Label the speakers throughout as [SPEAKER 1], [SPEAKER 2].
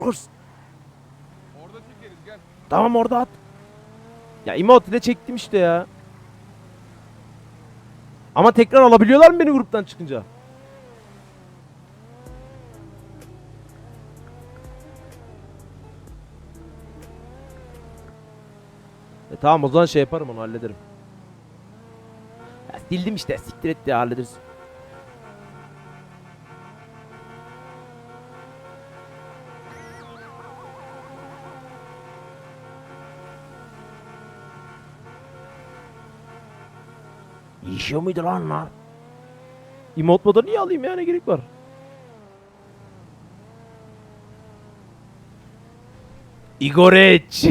[SPEAKER 1] Kurs.
[SPEAKER 2] Orada çekeriz gel.
[SPEAKER 1] Tamam orada at. Ya emote de çektim işte ya. Ama tekrar alabiliyorlar mı beni gruptan çıkınca? Tamam o zaman şey yaparım, onu hallederim. Ya sildim işte, siktir et ya, hallederiz. İşiyor muydu lan onlar? Emote moda niye alayım ya, ne gerek var? Igoreç.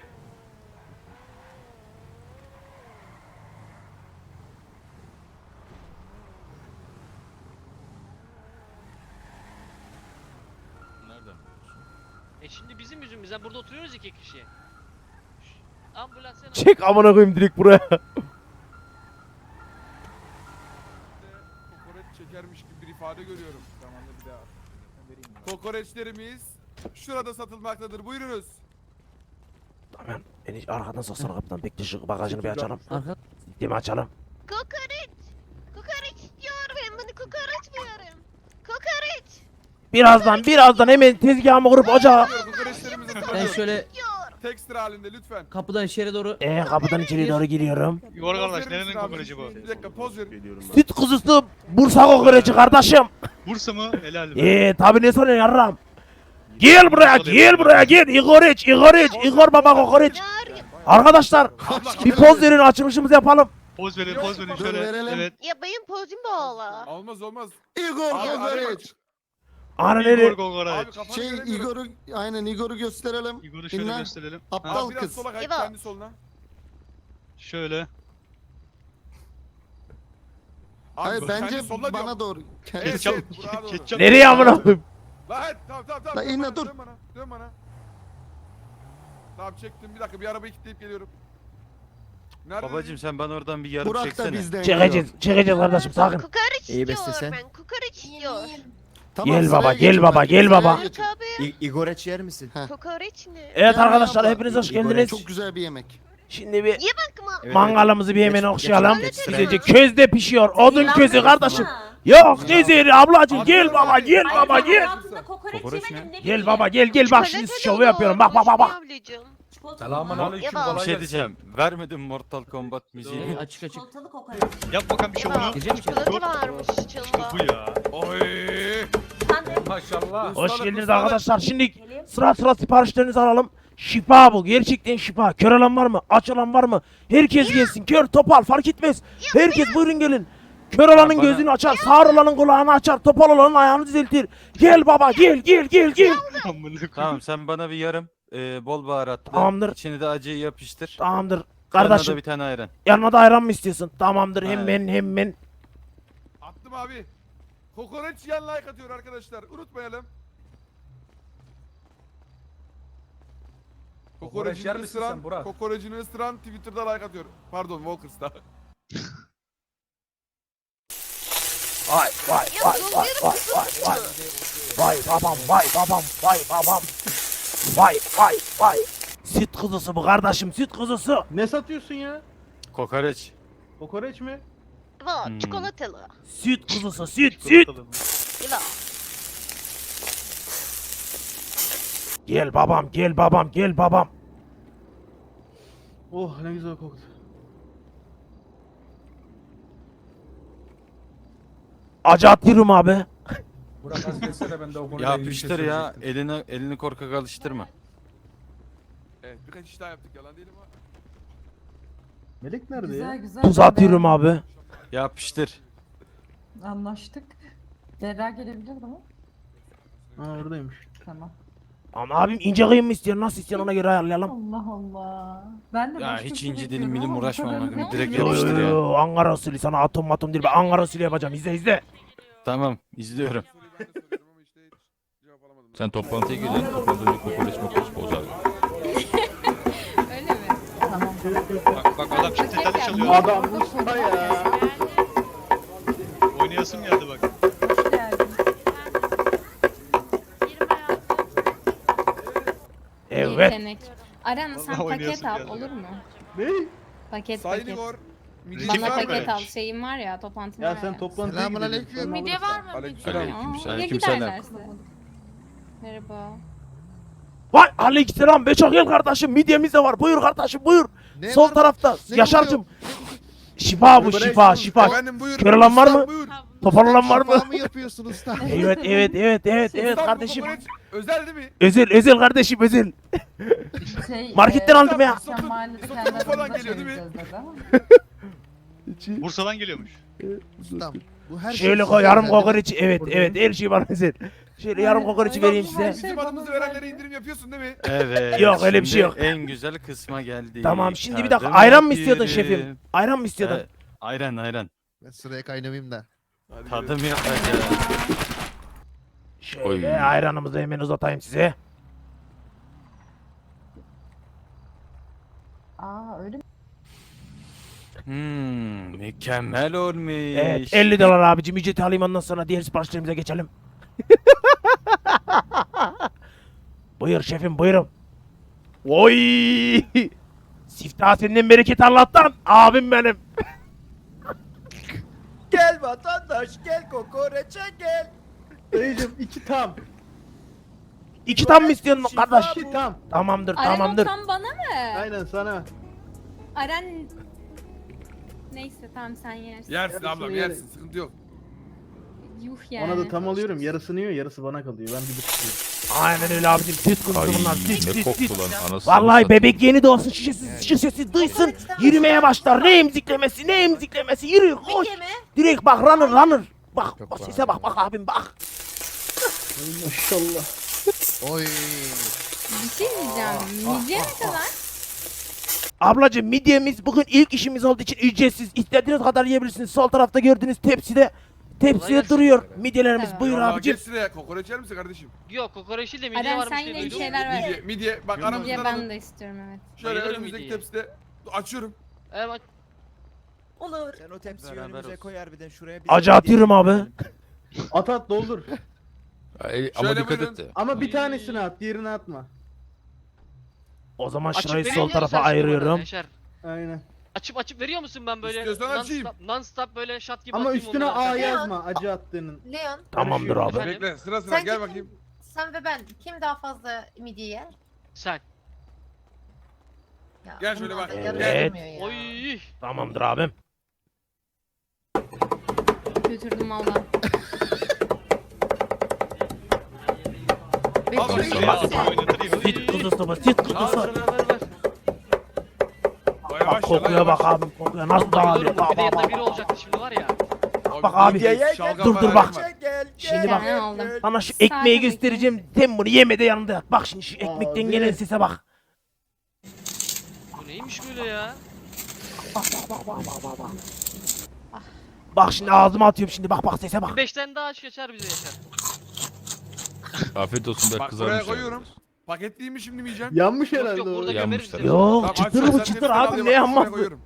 [SPEAKER 3] Nereden?
[SPEAKER 4] Şimdi bizim yüzümüzden burada oturuyoruz iki kişi. Ambulans sen
[SPEAKER 1] Çek amına koyayım direkt buraya.
[SPEAKER 2] Kokoreç çekermiş gibi bir ifade görüyorum. Zamanla bir daha. Kokoreçlerimiz şurada satılmaktadır. Buyurunuz.
[SPEAKER 1] Tamam. Beni arkadan soksana kapıdan. Bekle şu bagajını bir açalım.
[SPEAKER 5] Arka.
[SPEAKER 1] Sistemi açalım.
[SPEAKER 6] Kokoreç. Kokoreç istiyorum. Ben bunu kokoreç diyorum. Kokoreç.
[SPEAKER 1] Birazdan hemen tezgahımı kurup ocağa.
[SPEAKER 2] Kokoreçlerimizi
[SPEAKER 5] Ben
[SPEAKER 2] satıyorum.
[SPEAKER 5] şöyle
[SPEAKER 6] Diyorum.
[SPEAKER 2] Tek sıra halinde lütfen.
[SPEAKER 5] kapıdan içeri doğru
[SPEAKER 1] Kapıdan içeri doğru giriyorum.
[SPEAKER 3] Igor
[SPEAKER 2] Poz
[SPEAKER 3] kardeş
[SPEAKER 2] verir
[SPEAKER 3] nerenin
[SPEAKER 2] misin abi?
[SPEAKER 3] kokoreci bu?
[SPEAKER 2] Bir dakika poz verin.
[SPEAKER 1] Süt kuzusu Bursa kokoreci kardeşim.
[SPEAKER 3] Bursa mı? Helal be.
[SPEAKER 1] Tabi ne soruyorsun yarram. Gel buraya gel. Igor baba kokoreç.
[SPEAKER 6] Var.
[SPEAKER 1] Arkadaşlar bir poz verin, açılışımızı yapalım.
[SPEAKER 3] Poz verin
[SPEAKER 7] Dur,
[SPEAKER 3] şöyle.
[SPEAKER 7] verelim.
[SPEAKER 3] Evet.
[SPEAKER 6] Ya benim pozum bağlı.
[SPEAKER 2] Olmaz olmaz.
[SPEAKER 7] Igor
[SPEAKER 2] Abi,
[SPEAKER 7] Kokoreç.
[SPEAKER 1] Ana
[SPEAKER 3] Igor
[SPEAKER 1] nere?
[SPEAKER 2] Abi
[SPEAKER 3] kokoreç.
[SPEAKER 2] kafanı
[SPEAKER 7] Şey
[SPEAKER 2] göremiyorum.
[SPEAKER 7] Igor'u aynen Igor'u gösterelim.
[SPEAKER 3] Igor'u şöyle
[SPEAKER 7] İnler.
[SPEAKER 3] gösterelim.
[SPEAKER 7] Aptal
[SPEAKER 2] Abi biraz
[SPEAKER 7] kız.
[SPEAKER 2] sola kay,
[SPEAKER 6] İbo.
[SPEAKER 2] kendi soluna.
[SPEAKER 3] Şöyle.
[SPEAKER 2] Abi
[SPEAKER 7] Hayır
[SPEAKER 2] kendi
[SPEAKER 7] bence
[SPEAKER 2] soluna
[SPEAKER 7] bana
[SPEAKER 2] diyorum.
[SPEAKER 7] doğru.
[SPEAKER 2] Evet,
[SPEAKER 3] Ketçap.
[SPEAKER 2] evet, bravo.
[SPEAKER 3] Ketçap.
[SPEAKER 1] Nereye amına koyayım?
[SPEAKER 2] Lan tamam.
[SPEAKER 7] La
[SPEAKER 2] dön
[SPEAKER 7] inle,
[SPEAKER 2] bana,
[SPEAKER 7] dur.
[SPEAKER 2] Dön bana. Tamam çektim, bir dakika bir arabayı kilitleyip geliyorum. Nerede?
[SPEAKER 8] Babacım sen bana oradan bir yarım
[SPEAKER 7] Burak da
[SPEAKER 8] çeksene.
[SPEAKER 7] bizden
[SPEAKER 1] Çekeceğiz kardeşim, sakin.
[SPEAKER 6] Kokoreç
[SPEAKER 9] İyi
[SPEAKER 6] istiyorum
[SPEAKER 9] bestesen.
[SPEAKER 6] ben. Kokoreç istiyorum.
[SPEAKER 1] Gel
[SPEAKER 7] sıraya
[SPEAKER 1] baba,
[SPEAKER 7] geçin
[SPEAKER 1] gel baba,
[SPEAKER 7] bak,
[SPEAKER 1] gel
[SPEAKER 7] sıraya
[SPEAKER 1] baba.
[SPEAKER 7] geçin.
[SPEAKER 6] Tabii.
[SPEAKER 9] Igoreç yer misin?
[SPEAKER 6] Kokoreç ne?
[SPEAKER 1] Evet
[SPEAKER 7] Gel
[SPEAKER 1] arkadaşlar,
[SPEAKER 7] abla.
[SPEAKER 1] hepiniz hoş
[SPEAKER 9] Igor,
[SPEAKER 1] geldiniz.
[SPEAKER 7] Çok güzel bir yemek.
[SPEAKER 1] Şimdi bir
[SPEAKER 6] Ye bakma.
[SPEAKER 9] Evet,
[SPEAKER 1] mangalımızı bir hemen
[SPEAKER 9] Geç,
[SPEAKER 1] okşayalım.
[SPEAKER 9] geç, geç,
[SPEAKER 1] Güzelce
[SPEAKER 6] geç.
[SPEAKER 1] közde pişiyor. Odun közü kardeşim. Yok ne zehri ablacım, gel baba gel.
[SPEAKER 8] Kokoreç mi?
[SPEAKER 1] Gel baba gel bak şimdi şovu yapıyorum. Bak.
[SPEAKER 6] Selamünaleyküm.
[SPEAKER 8] Bir şey diyeceğim. Vermedim Mortal Kombat müziğini.
[SPEAKER 5] açık açık.
[SPEAKER 3] Yap bakalım bir şovunu.
[SPEAKER 5] Girecek misin?
[SPEAKER 6] Çikolata varmış
[SPEAKER 3] İşte
[SPEAKER 6] içinde.
[SPEAKER 3] bu ya.
[SPEAKER 2] Oy.
[SPEAKER 1] Hoş geldiniz arkadaşlar. Şimdi sıra siparişlerinizi alalım. Şifa bu. Gerçekten şifa. Kör olan var mı? Aç olan var mı? Herkes gelsin. Kör, topal fark etmez. Herkes buyurun gelin. Kör olanın
[SPEAKER 8] bana-
[SPEAKER 1] gözünü açar, sağır olanın kulağını açar, topal olanın ayağını düzeltir. Gel baba gel.
[SPEAKER 3] Amına koyayım.
[SPEAKER 8] Tamam sen bana bir yarım bol baharatlı.
[SPEAKER 1] Tamamdır.
[SPEAKER 8] İçine de acıyı yapıştır.
[SPEAKER 1] Tamamdır.
[SPEAKER 8] Yanına
[SPEAKER 1] Kardeşim
[SPEAKER 8] da bir tane ayran.
[SPEAKER 1] yanına da ayran mı istiyorsun? Tamamdır,
[SPEAKER 8] Aynen.
[SPEAKER 1] hemen.
[SPEAKER 2] Attım abi. Kokoreç yan like atıyor arkadaşlar. Unutmayalım. Kokoreçini ısıran, kokoreçini ısıran Twitter'da like atıyor. Pardon, Walkers'ta.
[SPEAKER 1] Vay babam. Vay. Süt kuzusu bu kardeşim, süt kuzusu.
[SPEAKER 10] Ne satıyorsun ya?
[SPEAKER 8] Kokoreç.
[SPEAKER 10] Kokoreç mi?
[SPEAKER 6] Bu çikolatalı.
[SPEAKER 1] Süt kuzusu, süt.
[SPEAKER 3] Çikolatalı mı?
[SPEAKER 6] İbo.
[SPEAKER 1] Gel babam.
[SPEAKER 10] Oh ne güzel koktu.
[SPEAKER 1] Acı atıyorum abi.
[SPEAKER 10] Burak az geçsene ben de o konuda
[SPEAKER 8] Yapıştır ya. Elini korkak alıştırma.
[SPEAKER 2] Evet, birkaç iş daha yaptık, yalan değil ama.
[SPEAKER 10] Melek nerede ya?
[SPEAKER 11] Güzel.
[SPEAKER 1] Tuz atıyorum abi.
[SPEAKER 8] Yapıştır.
[SPEAKER 11] Anlaştık. Berra gelebilir mi?
[SPEAKER 10] Ha oradaymış.
[SPEAKER 11] Tamam.
[SPEAKER 1] Ama abim ince kıyım mı istiyor? Nasıl istiyorsun, ona göre ayarlayalım.
[SPEAKER 11] Allah Allah. Ben de
[SPEAKER 8] Ya
[SPEAKER 11] başka bir
[SPEAKER 8] hiç
[SPEAKER 11] şey
[SPEAKER 8] ince
[SPEAKER 11] bekliyorum
[SPEAKER 8] dilim
[SPEAKER 11] ama bu
[SPEAKER 8] uğraşma
[SPEAKER 11] kadar
[SPEAKER 8] ona göre.
[SPEAKER 11] ne?
[SPEAKER 8] Direkt
[SPEAKER 1] Yo,
[SPEAKER 8] yapıştır ya.
[SPEAKER 1] yo, Ankara usulü, sana atom değil, ben Ankara usulü yapacağım. İzle.
[SPEAKER 8] Tamam izliyorum.
[SPEAKER 2] Soruyu ben de soruyorum ama işte hiç cevap alamadım.
[SPEAKER 8] Sen toplantıya gidiyorsun. Toplantıda kokoreç bozar.
[SPEAKER 11] Öyle mi? Tamam.
[SPEAKER 3] Bak adam çift detaylı çalıyor.
[SPEAKER 10] Adam Mustafa ya.
[SPEAKER 3] Oynayasım geldi bak.
[SPEAKER 11] Hoş geldin.
[SPEAKER 1] Evet.
[SPEAKER 11] Yetenek. Aren sen
[SPEAKER 3] Vallahi
[SPEAKER 11] paket
[SPEAKER 3] oynayasın
[SPEAKER 11] al
[SPEAKER 3] geldi
[SPEAKER 11] olur mu?
[SPEAKER 10] Ne?
[SPEAKER 11] Paket
[SPEAKER 2] Sayın
[SPEAKER 11] paket.
[SPEAKER 2] Igor. Midye
[SPEAKER 3] Bana
[SPEAKER 11] Bana
[SPEAKER 2] var mı?
[SPEAKER 11] paket al. Şeyim var ya, toplantım
[SPEAKER 10] Ya
[SPEAKER 11] var
[SPEAKER 10] sen
[SPEAKER 11] ya.
[SPEAKER 10] toplantıya
[SPEAKER 7] Selamünaleyküm.
[SPEAKER 10] gidiyorsun. sen
[SPEAKER 6] Midye var
[SPEAKER 10] alırsan.
[SPEAKER 6] mı?
[SPEAKER 2] Aleykümselam.
[SPEAKER 11] Aa, ya
[SPEAKER 8] Aleykümselam.
[SPEAKER 11] giderlerse. Merhaba.
[SPEAKER 1] Vay aleykümselam Beçok gel kardeşim midyemiz de var. Buyur kardeşim buyur.
[SPEAKER 7] Ne
[SPEAKER 1] Sol
[SPEAKER 7] var lan?
[SPEAKER 1] tarafta
[SPEAKER 7] Ne
[SPEAKER 1] Yaşar'cım. Şifa bu
[SPEAKER 10] Bırak
[SPEAKER 1] şifa
[SPEAKER 10] şunu.
[SPEAKER 1] şifa.
[SPEAKER 2] Efendim buyur.
[SPEAKER 1] Kör olan var
[SPEAKER 2] Ustam,
[SPEAKER 1] mı?
[SPEAKER 2] Buyur.
[SPEAKER 1] Toparlanan var mı?
[SPEAKER 7] Şifa mı yapıyorsun usta?
[SPEAKER 1] Evet evet evet evet evet
[SPEAKER 2] Ustam, bu
[SPEAKER 1] kardeşim.
[SPEAKER 2] kokoreç özel değil mi?
[SPEAKER 1] Özel kardeşim özel.
[SPEAKER 11] Şey,
[SPEAKER 1] Marketten aldım ya.
[SPEAKER 11] Akşam mahallede
[SPEAKER 2] Sotu
[SPEAKER 11] kendi
[SPEAKER 2] falan
[SPEAKER 11] aramızda
[SPEAKER 2] geliyor değil mi?
[SPEAKER 11] çevireceğiz dedi ama.
[SPEAKER 3] Bursa'dan geliyormuş.
[SPEAKER 7] Ustam. Bu her
[SPEAKER 1] Şöyle
[SPEAKER 7] size
[SPEAKER 1] koy yarım
[SPEAKER 7] özel değil mi?
[SPEAKER 1] kokoreçi evet evet her şey bana özel. Şöyle yarım kokoreçi vereyim
[SPEAKER 11] Ay,
[SPEAKER 1] size.
[SPEAKER 11] ay,
[SPEAKER 2] Bizim adımızı verenlere indirim yapıyorsun değil mi?
[SPEAKER 8] Evet.
[SPEAKER 1] Yok, öyle bir
[SPEAKER 8] şimdi
[SPEAKER 1] şey yok.
[SPEAKER 8] En güzel kısma geldik.
[SPEAKER 1] Tamam şimdi bir dakika
[SPEAKER 8] Tadım
[SPEAKER 1] ayran mı istiyordun
[SPEAKER 8] yapıyorum.
[SPEAKER 1] şefim? Ayran mı istiyordun?
[SPEAKER 8] Evet, ayran.
[SPEAKER 7] Ben sıraya kaynamayayım da.
[SPEAKER 2] Hadi
[SPEAKER 8] Tadım yapacağız.
[SPEAKER 1] Şöyle
[SPEAKER 8] Oy.
[SPEAKER 1] ayranımızı hemen uzatayım size.
[SPEAKER 11] Aa öyle mi?
[SPEAKER 8] Mükemmel olmuş.
[SPEAKER 1] Evet 50 dolar abicim ücreti alayım ondan sonra diğer siparişlerimize geçelim. Buyur şefim buyurun. Oy! Siftah senden bereket Allah'tan abim benim.
[SPEAKER 10] Gel vatandaş gel kokoreçe gel. Dayıcım 2 tam.
[SPEAKER 1] İki tam mı istiyorsun kardeş?
[SPEAKER 10] 2 tam.
[SPEAKER 1] Tamamdır
[SPEAKER 11] Aren
[SPEAKER 1] tamamdır.
[SPEAKER 11] o tam bana mı?
[SPEAKER 10] Aynen sana.
[SPEAKER 11] Aren... Neyse tamam sen yersin.
[SPEAKER 2] Yersin
[SPEAKER 10] Yarısını
[SPEAKER 2] ablam
[SPEAKER 10] yerim.
[SPEAKER 2] yersin sıkıntı yok.
[SPEAKER 11] Yuh yani.
[SPEAKER 10] Ona da tam alıyorum. Yarısını yiyor, yarısı bana kalıyor. Ben bir tutuyorum.
[SPEAKER 1] Aynen öyle abicim süt kuzusu bunlar süt
[SPEAKER 8] ne
[SPEAKER 1] süt
[SPEAKER 8] koktu
[SPEAKER 1] süt.
[SPEAKER 8] lan anasını
[SPEAKER 1] Vallahi
[SPEAKER 8] satayım.
[SPEAKER 1] bebek yeni doğsun şişesi duysun yürümeye başlar. Ne emziklemesi yürü koş.
[SPEAKER 6] Midye mi?
[SPEAKER 1] Direkt bak runner. Bak sese bak abim bak.
[SPEAKER 10] Ay maşallah.
[SPEAKER 7] Oy.
[SPEAKER 11] Bir şey diyeceğim. Midye ne kadar?
[SPEAKER 1] Ablacım midyemiz bugün ilk işimiz olduğu için ücretsiz. İstediğiniz kadar yiyebilirsiniz. Sol tarafta gördüğünüz tepside. Tepsiye
[SPEAKER 4] gelsin.
[SPEAKER 1] duruyor midyelerimiz.
[SPEAKER 11] Tamam.
[SPEAKER 1] Buyur
[SPEAKER 2] Vallahi
[SPEAKER 1] abicim.
[SPEAKER 2] geç sıraya kokoreç yer misin kardeşim?
[SPEAKER 4] Yok kokoreç değil de midye
[SPEAKER 11] Aren
[SPEAKER 4] varmış
[SPEAKER 11] sen
[SPEAKER 4] diye
[SPEAKER 11] yine bir
[SPEAKER 4] duydum.
[SPEAKER 11] şeyler ver.
[SPEAKER 2] Midye bak
[SPEAKER 11] Midye
[SPEAKER 2] aramızdan
[SPEAKER 11] ben
[SPEAKER 2] alın.
[SPEAKER 11] de istiyorum evet.
[SPEAKER 2] Şöyle
[SPEAKER 4] Bayılırım
[SPEAKER 2] önümüzdeki
[SPEAKER 4] midyeye.
[SPEAKER 2] tepside açıyorum.
[SPEAKER 4] Evet.
[SPEAKER 6] Olur.
[SPEAKER 10] Sen o tepsiyi
[SPEAKER 8] Beraber
[SPEAKER 10] önümüze
[SPEAKER 8] olsun.
[SPEAKER 10] koy harbiden şuraya.
[SPEAKER 1] Acı atıyorum abi.
[SPEAKER 10] At doldur.
[SPEAKER 8] Ay, ama
[SPEAKER 2] Şöyle
[SPEAKER 8] dikkat
[SPEAKER 2] buyurun.
[SPEAKER 8] et de.
[SPEAKER 10] Ama bir tanesini at, diğerini atma.
[SPEAKER 1] O zaman
[SPEAKER 4] Açıp
[SPEAKER 1] şurayı
[SPEAKER 4] veriyor
[SPEAKER 1] sol
[SPEAKER 4] musun
[SPEAKER 1] tarafa
[SPEAKER 4] sen şimdi bana,
[SPEAKER 1] ayırıyorum.
[SPEAKER 4] Yaşar?
[SPEAKER 10] Aynen.
[SPEAKER 4] Açıp veriyor musun ben böyle
[SPEAKER 2] İstiyorsan açayım.
[SPEAKER 4] non stop böyle şat gibi
[SPEAKER 10] Ama
[SPEAKER 4] atayım
[SPEAKER 10] üstüne
[SPEAKER 4] onları
[SPEAKER 10] A
[SPEAKER 4] aşağı?
[SPEAKER 10] yazma acı attığının.
[SPEAKER 6] Leon,
[SPEAKER 1] Tamamdır abi.
[SPEAKER 4] Efendim?
[SPEAKER 2] Bekle sıra
[SPEAKER 6] Sence
[SPEAKER 2] gel
[SPEAKER 6] kim-
[SPEAKER 2] bakayım.
[SPEAKER 6] sen ve ben kim daha fazla midye yer?
[SPEAKER 4] Sen.
[SPEAKER 6] Ya,
[SPEAKER 2] Gel şöyle
[SPEAKER 6] bundan
[SPEAKER 2] bak.
[SPEAKER 6] da yarı
[SPEAKER 1] Evet.
[SPEAKER 6] durmuyor ya.
[SPEAKER 4] Oy.
[SPEAKER 1] Tamamdır abim.
[SPEAKER 11] Götürdüm valla.
[SPEAKER 6] Peki,
[SPEAKER 2] Al bakayım.
[SPEAKER 6] peki.
[SPEAKER 2] Al.
[SPEAKER 1] Süt kuzusu bu süt
[SPEAKER 4] Al
[SPEAKER 1] kuzusu.
[SPEAKER 4] ver.
[SPEAKER 2] Baya
[SPEAKER 1] Bak kokuya bak abim kokuya nasıl dağılıyor.
[SPEAKER 4] Bayılırım bu
[SPEAKER 1] Bak
[SPEAKER 4] bir de
[SPEAKER 1] bak
[SPEAKER 4] yanında
[SPEAKER 1] bak.
[SPEAKER 4] biri olacaktı şimdi var ya.
[SPEAKER 1] Bak abi. Dur, bak.
[SPEAKER 10] Gel.
[SPEAKER 1] Şimdi bak.
[SPEAKER 11] Ben aldım.
[SPEAKER 1] Sana şu
[SPEAKER 11] Sade
[SPEAKER 1] ekmeği
[SPEAKER 11] ekmek.
[SPEAKER 1] göstereceğim. Sen bunu yeme de yanında yat. Bak şimdi şu ekmekten
[SPEAKER 10] Abi.
[SPEAKER 1] gelen sese bak.
[SPEAKER 4] Bu neymiş böyle ya?
[SPEAKER 1] Bak şimdi ağzıma atıyorum şimdi bak sese bak.
[SPEAKER 4] 5 tane daha aç geçer bize Yaşar.
[SPEAKER 8] Afiyet olsun be
[SPEAKER 2] Bak
[SPEAKER 8] kızarmış.
[SPEAKER 2] buraya koyuyorum. Paketliyim mi şimdi mi yiyeceğim?
[SPEAKER 10] Yanmış
[SPEAKER 4] Yok
[SPEAKER 10] herhalde
[SPEAKER 4] yok
[SPEAKER 10] o.
[SPEAKER 4] burada
[SPEAKER 8] Yanmış
[SPEAKER 4] gömeriz
[SPEAKER 8] tabii.
[SPEAKER 4] seni.
[SPEAKER 1] Yok
[SPEAKER 2] Tamam,
[SPEAKER 1] çıtır
[SPEAKER 2] aç,
[SPEAKER 1] bu
[SPEAKER 2] sen
[SPEAKER 1] çıtır
[SPEAKER 2] tepsiden
[SPEAKER 1] abi
[SPEAKER 2] al,
[SPEAKER 1] ne
[SPEAKER 2] bak, şuraya
[SPEAKER 1] yanmaz.
[SPEAKER 2] koyuyorum.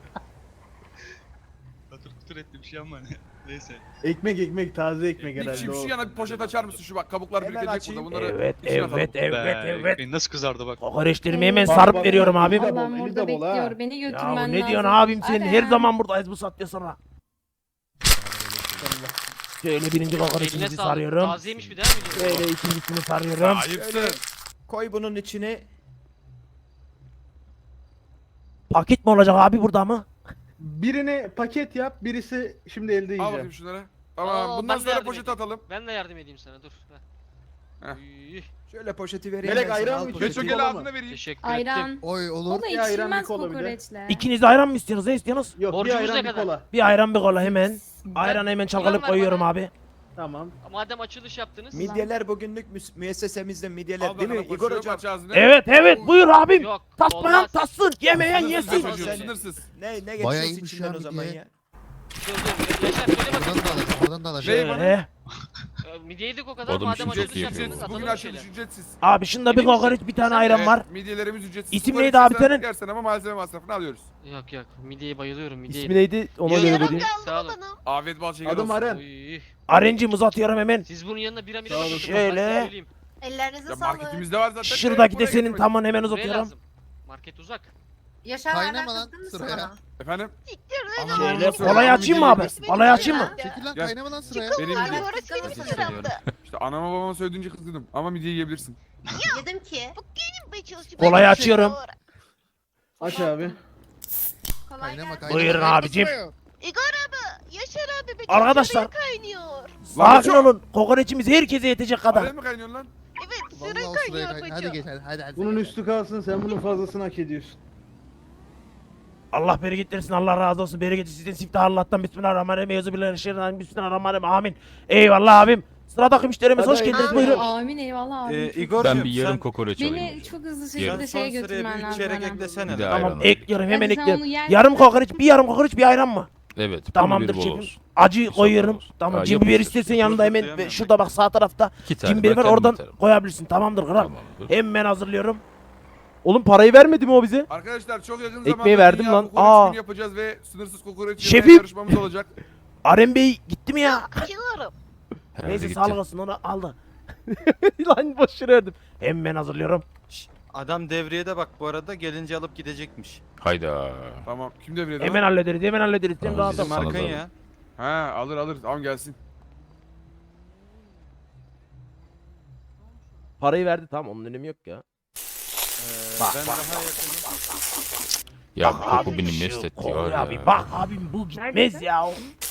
[SPEAKER 3] Katır etti bir şey ama neyse.
[SPEAKER 10] Ekmek taze ekmek
[SPEAKER 2] Bir
[SPEAKER 10] herhalde
[SPEAKER 2] çift
[SPEAKER 10] o.
[SPEAKER 2] şu yana bir poşet açar mısın şu bak kabuklar
[SPEAKER 10] Hemen
[SPEAKER 2] birikecek burada
[SPEAKER 10] açayım.
[SPEAKER 2] bunları.
[SPEAKER 1] Evet
[SPEAKER 2] içine atalım.
[SPEAKER 1] evet.
[SPEAKER 3] Ekmeğin nasıl kızardı bak.
[SPEAKER 1] Kokoreçlerimi hemen
[SPEAKER 10] Bak,
[SPEAKER 1] sarıp
[SPEAKER 10] bak,
[SPEAKER 1] veriyorum
[SPEAKER 10] bak.
[SPEAKER 1] abi.
[SPEAKER 10] Eli de bol,
[SPEAKER 11] Allah'ım
[SPEAKER 10] eli
[SPEAKER 11] burada
[SPEAKER 10] de bol ha.
[SPEAKER 11] bekliyor. Beni
[SPEAKER 1] Ya
[SPEAKER 11] götürmen lazım.
[SPEAKER 1] ne diyorsun abim senin her
[SPEAKER 11] Aren.
[SPEAKER 1] zaman buradayız bu saatte sonra. Şöyle birinci
[SPEAKER 4] Eline
[SPEAKER 1] kokoreçimizi
[SPEAKER 4] sağlık.
[SPEAKER 1] sarıyorum.
[SPEAKER 4] Tazeymiş bir daha mı diyorsun?
[SPEAKER 1] Şöyle ikincisini sarıyorum.
[SPEAKER 2] Ayıpsın.
[SPEAKER 10] Koy bunun içine.
[SPEAKER 1] Paket mi olacak abi burada mı?
[SPEAKER 10] Birini paket yap, birisi şimdi elde
[SPEAKER 2] Al bakayım
[SPEAKER 10] yiyeceğim.
[SPEAKER 2] şunları. Tamam
[SPEAKER 4] Aa,
[SPEAKER 2] bundan
[SPEAKER 4] ben de
[SPEAKER 2] sonra
[SPEAKER 4] yardım
[SPEAKER 2] poşet
[SPEAKER 4] edeyim.
[SPEAKER 2] atalım.
[SPEAKER 4] Ben de yardım edeyim sana dur.
[SPEAKER 2] Heh.
[SPEAKER 4] Uy,
[SPEAKER 10] Şöyle poşeti vereyim. Melek ayran mı?
[SPEAKER 2] Beço gel ağzına vereyim.
[SPEAKER 4] teşekkür ettim.
[SPEAKER 11] Ayran.
[SPEAKER 7] Oy olur.
[SPEAKER 11] O da
[SPEAKER 10] Bir ayran,
[SPEAKER 11] içilmez
[SPEAKER 10] bir kola bir de.
[SPEAKER 11] kokoreçle.
[SPEAKER 1] İkiniz de ayran mı istiyorsunuz? Ne istiyorsunuz?
[SPEAKER 10] Yok bir
[SPEAKER 4] Borcumuz
[SPEAKER 10] ayran
[SPEAKER 4] ne
[SPEAKER 10] bir
[SPEAKER 4] kadar?
[SPEAKER 10] kola.
[SPEAKER 1] Bir ayran bir kola hemen.
[SPEAKER 11] Ben-
[SPEAKER 1] Ayran hemen
[SPEAKER 4] Ulan
[SPEAKER 1] çalkalıp
[SPEAKER 4] ver
[SPEAKER 1] koyuyorum
[SPEAKER 4] bana.
[SPEAKER 1] abi.
[SPEAKER 10] Tamam.
[SPEAKER 4] Madem açılış yaptınız.
[SPEAKER 11] Midyeler
[SPEAKER 10] bugünlük müessesemizde midyeler
[SPEAKER 2] Al bakalım koşuyorum aç ağzını.
[SPEAKER 1] Evet buyur abim.
[SPEAKER 4] Yok.
[SPEAKER 1] Tasmayan
[SPEAKER 4] olmaz.
[SPEAKER 1] tassın. Yemeyen
[SPEAKER 2] Sınırsız
[SPEAKER 1] yesin.
[SPEAKER 2] çocuğum, sınırsız.
[SPEAKER 10] Ne
[SPEAKER 7] Bayağı iyiymiş ya midye.
[SPEAKER 4] Dur Yaşar söyle
[SPEAKER 7] Buradan
[SPEAKER 4] bakayım.
[SPEAKER 7] da alacağım, buradan da alacağım.
[SPEAKER 2] Şey bana.
[SPEAKER 1] Şöyle.
[SPEAKER 4] Midye yedik o kadar.
[SPEAKER 8] Oğlum
[SPEAKER 4] Madem
[SPEAKER 8] şimdi
[SPEAKER 4] açılış
[SPEAKER 8] çok iyi
[SPEAKER 4] yaptınız
[SPEAKER 8] yapıyor.
[SPEAKER 4] atalım
[SPEAKER 2] Bugün
[SPEAKER 4] bir
[SPEAKER 2] açılış
[SPEAKER 4] şeyler.
[SPEAKER 2] ücretsiz.
[SPEAKER 1] Abi şunda bir
[SPEAKER 4] Emin misin?
[SPEAKER 1] kokoreç bir tane ayran var.
[SPEAKER 2] Midyelerimiz ücretsiz.
[SPEAKER 1] İsim
[SPEAKER 2] Kokoreç
[SPEAKER 1] neydi abi
[SPEAKER 2] istersen
[SPEAKER 1] senin?
[SPEAKER 2] Yersen ama malzeme masrafını alıyoruz.
[SPEAKER 4] Yok midyeye bayılıyorum midyeye.
[SPEAKER 1] İsmi neydi? Ona
[SPEAKER 4] Yarım
[SPEAKER 1] göre
[SPEAKER 6] Yarım
[SPEAKER 1] vereyim.
[SPEAKER 6] kaldı
[SPEAKER 4] Sağ olun.
[SPEAKER 6] bana.
[SPEAKER 2] Afiyet bal şeker
[SPEAKER 10] Adım
[SPEAKER 2] olsun.
[SPEAKER 10] Aren.
[SPEAKER 4] Uy.
[SPEAKER 1] Arencim uzatıyorum hemen.
[SPEAKER 4] Siz bunun yanına bira
[SPEAKER 10] Sağ olun.
[SPEAKER 4] bakın,
[SPEAKER 1] Şöyle.
[SPEAKER 4] ben size söyleyeyim.
[SPEAKER 6] Ellerinize
[SPEAKER 2] Ya
[SPEAKER 6] sağlık.
[SPEAKER 2] marketimizde var zaten.
[SPEAKER 1] Şuradaki de
[SPEAKER 2] Buraya
[SPEAKER 1] senin
[SPEAKER 2] getirmedik.
[SPEAKER 1] tamam hemen
[SPEAKER 4] Buraya
[SPEAKER 1] uzatıyorum.
[SPEAKER 4] lazım. Market uzak.
[SPEAKER 6] Yaşar
[SPEAKER 7] Kaynama
[SPEAKER 6] hala
[SPEAKER 7] lan
[SPEAKER 6] kızdın mı
[SPEAKER 7] sıraya.
[SPEAKER 6] sana?
[SPEAKER 2] Efendim?
[SPEAKER 6] Siktir lan.
[SPEAKER 1] Şeyle
[SPEAKER 2] Nasıl?
[SPEAKER 1] kolayı açayım mı abi?
[SPEAKER 6] Benim
[SPEAKER 1] Kolayı açayım mı?
[SPEAKER 6] midem.
[SPEAKER 7] Çekil lan
[SPEAKER 2] Gel.
[SPEAKER 7] kaynama lan sıraya.
[SPEAKER 2] Benim
[SPEAKER 6] Hala
[SPEAKER 2] midem.
[SPEAKER 6] orası benim
[SPEAKER 8] Teşekkür
[SPEAKER 6] sıramdı.
[SPEAKER 2] İşte anama babama söylediğince kızgınım. Ama midye yiyebilirsin.
[SPEAKER 6] Yedim ki. Bu benim be çalışıyor.
[SPEAKER 1] Kolayı açıyorum.
[SPEAKER 10] Aç abi.
[SPEAKER 6] Kolay
[SPEAKER 7] Kaynama
[SPEAKER 6] gelsin.
[SPEAKER 7] kaynama.
[SPEAKER 1] Buyurun
[SPEAKER 7] kaynama
[SPEAKER 1] abicim.
[SPEAKER 7] sıraya.
[SPEAKER 6] Igor abi. Yaşar abi be.
[SPEAKER 1] Arkadaşlar.
[SPEAKER 6] çorba kaynıyor.
[SPEAKER 1] Sakin olun. Kokoreçimiz herkese yetecek kadar.
[SPEAKER 2] Araya mı kaynıyorsun lan?
[SPEAKER 6] Evet
[SPEAKER 7] Vallahi
[SPEAKER 6] sıra
[SPEAKER 7] o sıraya
[SPEAKER 6] kaynıyor
[SPEAKER 7] kaynama. Hadi
[SPEAKER 6] bacım.
[SPEAKER 7] geç hadi.
[SPEAKER 10] Bunun üstü kalsın, sen bunun fazlasını hak ediyorsun.
[SPEAKER 1] Allah bereket versin. Allah razı olsun. Bereket sizin siftah Allah'tan. Bismillahirrahmanirrahim. Euzubillahimineşşeytanirracim. Bismillahirrahmanirrahim. Amin. Eyvallah abim. Sıradaki müşterimiz hoş
[SPEAKER 10] Hadi
[SPEAKER 1] geldiniz.
[SPEAKER 6] abi.
[SPEAKER 1] Buyurun.
[SPEAKER 11] Amin eyvallah abi.
[SPEAKER 8] Igor
[SPEAKER 5] Ben bir yarım kokoreç alayım.
[SPEAKER 11] Beni çok hızlı
[SPEAKER 8] Yarım
[SPEAKER 11] şekilde
[SPEAKER 8] son
[SPEAKER 11] şeye
[SPEAKER 8] sıraya
[SPEAKER 11] götürmen
[SPEAKER 8] bir
[SPEAKER 11] lazım
[SPEAKER 8] çeyrek
[SPEAKER 11] bana.
[SPEAKER 8] eklesene.
[SPEAKER 5] Bir de
[SPEAKER 8] lan.
[SPEAKER 5] ayran
[SPEAKER 1] Tamam
[SPEAKER 5] alayım.
[SPEAKER 1] ekliyorum hemen
[SPEAKER 11] Hadi sen
[SPEAKER 1] ekliyorum.
[SPEAKER 11] onu yer
[SPEAKER 1] Yarım
[SPEAKER 11] misin?
[SPEAKER 1] kokoreç, bir yarım kokoreç, bir ayran mı?
[SPEAKER 5] Evet. pul
[SPEAKER 1] Tamamdır
[SPEAKER 5] biberi bol
[SPEAKER 1] şefim.
[SPEAKER 5] olsun.
[SPEAKER 1] Acı
[SPEAKER 5] Bir
[SPEAKER 1] koyuyorum.
[SPEAKER 5] olsun.
[SPEAKER 1] Tamam.
[SPEAKER 5] Ha,
[SPEAKER 1] Cin biber
[SPEAKER 5] yapıştır.
[SPEAKER 1] istersen yanında hemen
[SPEAKER 8] Yapıştır.
[SPEAKER 1] şurada bak sağ tarafta.
[SPEAKER 5] 2 tane.
[SPEAKER 1] Cin biber var
[SPEAKER 5] ben
[SPEAKER 1] oradan
[SPEAKER 5] kendim
[SPEAKER 1] koyabilirsin. Tamamdır kral.
[SPEAKER 5] Tamamdır.
[SPEAKER 1] Hemen hazırlıyorum. Oğlum parayı vermedi mi o bize?
[SPEAKER 2] Arkadaşlar çok yakın
[SPEAKER 1] Ekmeği
[SPEAKER 2] zamanda
[SPEAKER 1] verdim
[SPEAKER 2] dünya
[SPEAKER 1] lan.
[SPEAKER 2] kokoreç
[SPEAKER 1] Aa.
[SPEAKER 2] günü yapacağız ve sınırsız kokoreç
[SPEAKER 1] Şefim.
[SPEAKER 2] yemeye yarışmamız olacak.
[SPEAKER 1] Arem Bey gitti mi ya?
[SPEAKER 6] Açıyorum.
[SPEAKER 5] Herhalde
[SPEAKER 1] Neyse
[SPEAKER 5] gitti.
[SPEAKER 1] sağlık olsun onu aldı. Lan boş verdim. Hemen hazırlıyorum.
[SPEAKER 8] Adam devriyede bak bu arada gelince alıp gidecekmiş.
[SPEAKER 5] Hayda.
[SPEAKER 2] Tamam. Kim devrede?
[SPEAKER 1] Hemen hallederiz. Hemen hallederiz. Sen
[SPEAKER 5] Tamam,
[SPEAKER 1] rahat
[SPEAKER 5] bizim
[SPEAKER 1] ol.
[SPEAKER 5] Sana
[SPEAKER 8] Markın
[SPEAKER 5] zararı.
[SPEAKER 8] ya.
[SPEAKER 2] Ha alır. Tamam gelsin.
[SPEAKER 1] Parayı verdi tamam onun önemi yok ya. Bak,
[SPEAKER 8] Ben
[SPEAKER 1] bak,
[SPEAKER 8] daha yakınım.
[SPEAKER 5] Ya
[SPEAKER 1] Bak
[SPEAKER 5] bu koku
[SPEAKER 1] abi,
[SPEAKER 5] beni
[SPEAKER 1] şu
[SPEAKER 5] mest etti
[SPEAKER 1] kokuya
[SPEAKER 5] var
[SPEAKER 1] bir
[SPEAKER 5] ya.
[SPEAKER 1] bak abim bu gitmez ya.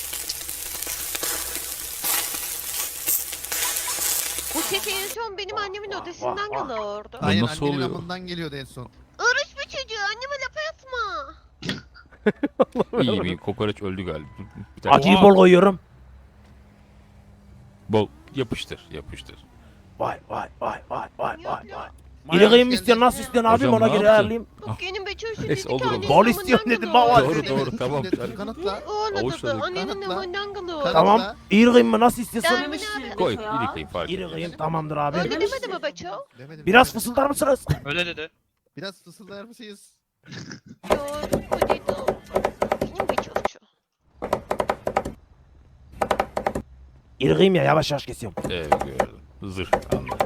[SPEAKER 6] Bu kek en son benim annemin odasından
[SPEAKER 1] vah.
[SPEAKER 6] geliyordu.
[SPEAKER 7] Aynen
[SPEAKER 5] nasıl
[SPEAKER 7] annenin
[SPEAKER 5] oluyor?
[SPEAKER 7] amından geliyordu en son.
[SPEAKER 6] Irış bir çocuğu anneme laf atma.
[SPEAKER 5] İyi bir kokoreç öldü galiba. Bir tane
[SPEAKER 1] Acıyı bol koyuyorum.
[SPEAKER 5] bol yapıştır.
[SPEAKER 1] Vay.
[SPEAKER 6] Yok, yok.
[SPEAKER 1] İri kıyım istiyorsun nasıl istiyorsun abim
[SPEAKER 5] Hocam,
[SPEAKER 1] ona
[SPEAKER 5] ne
[SPEAKER 1] göre
[SPEAKER 5] yaptın?
[SPEAKER 1] ayarlayayım.
[SPEAKER 6] Bu benim be çocuğu
[SPEAKER 5] Neyse,
[SPEAKER 6] dedi ki
[SPEAKER 5] olur, olur.
[SPEAKER 6] annenin
[SPEAKER 1] Bol
[SPEAKER 6] amından
[SPEAKER 1] istiyorum dedim,
[SPEAKER 6] geliyordu.
[SPEAKER 1] baba.
[SPEAKER 5] Doğru doğru tamam.
[SPEAKER 7] Şimdi kanıtla.
[SPEAKER 6] O ne
[SPEAKER 5] Avuçladık.
[SPEAKER 6] dedi? Annenin
[SPEAKER 7] Kanıtla.
[SPEAKER 6] amından geliyordu.
[SPEAKER 7] Kanıtla.
[SPEAKER 1] Tamam. İri kıyım mı nasıl istiyorsun?
[SPEAKER 6] Demin abi.
[SPEAKER 5] Koy iri kıyım fark
[SPEAKER 1] İri
[SPEAKER 5] etmez.
[SPEAKER 1] kıyım tamamdır abi.
[SPEAKER 6] Öyle demedi mi Beço?
[SPEAKER 7] Demedim,
[SPEAKER 1] Biraz
[SPEAKER 7] demedim.
[SPEAKER 1] fısıldar mısınız?
[SPEAKER 3] Öyle dedi.
[SPEAKER 7] Biraz fısıldar mısınız?
[SPEAKER 6] Yok o dedi o. Benim be çocuğu.
[SPEAKER 1] İri kıyım ya yavaş yavaş kesiyorum.
[SPEAKER 5] Evet gördüm. Zırh anladım.